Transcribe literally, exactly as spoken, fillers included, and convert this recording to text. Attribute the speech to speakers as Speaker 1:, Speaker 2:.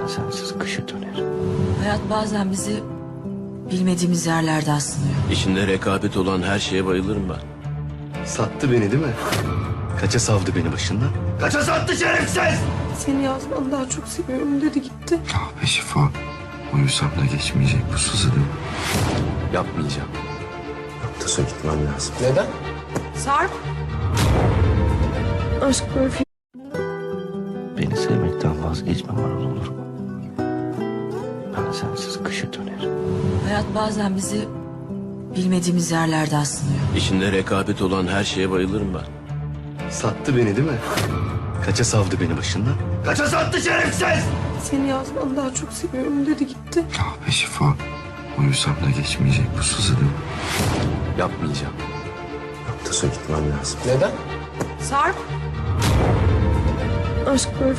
Speaker 1: sensiz kışa dönerim.
Speaker 2: Hayat bazen bizi bilmediğimiz yerlerde sınıyor.
Speaker 3: İçinde rekabet olan her şeye bayılırım ben.
Speaker 1: Sattı beni değil mi? Kaça savdı beni başından? Kaça sattı şerefsiz?
Speaker 4: Seni yazdan daha çok seviyorum dedi gitti.
Speaker 5: Ah be Şifa. Uyusam da geçmeyecek bu sızı değil mi?
Speaker 1: Yapmayacağım.
Speaker 5: Yoksa gitmem lazım.
Speaker 1: Neden?
Speaker 4: Sarp. Aşk böyle film.
Speaker 1: Beni sevmekten vazgeçmem Anıl olur mu? Ben sensiz kışa dönerim.
Speaker 2: Hayat bazen bizi bilmediğimiz yerlerde sınıyor.
Speaker 3: İçinde rekabet olan her şeye bayılırım ben.
Speaker 1: Sattı beni değil mi? Kaça savdı beni başından? Kaça sattı şerefsiz?
Speaker 4: Seni yazdan daha çok seviyorum dedi gitti.
Speaker 5: Ah be Şifa. Uyusam da geçmeyecek bu sızı değil mi?
Speaker 1: Yapmayacağım.
Speaker 5: Yoksa gitmem lazım.
Speaker 1: Neden?
Speaker 4: Sarp. Aşk böyle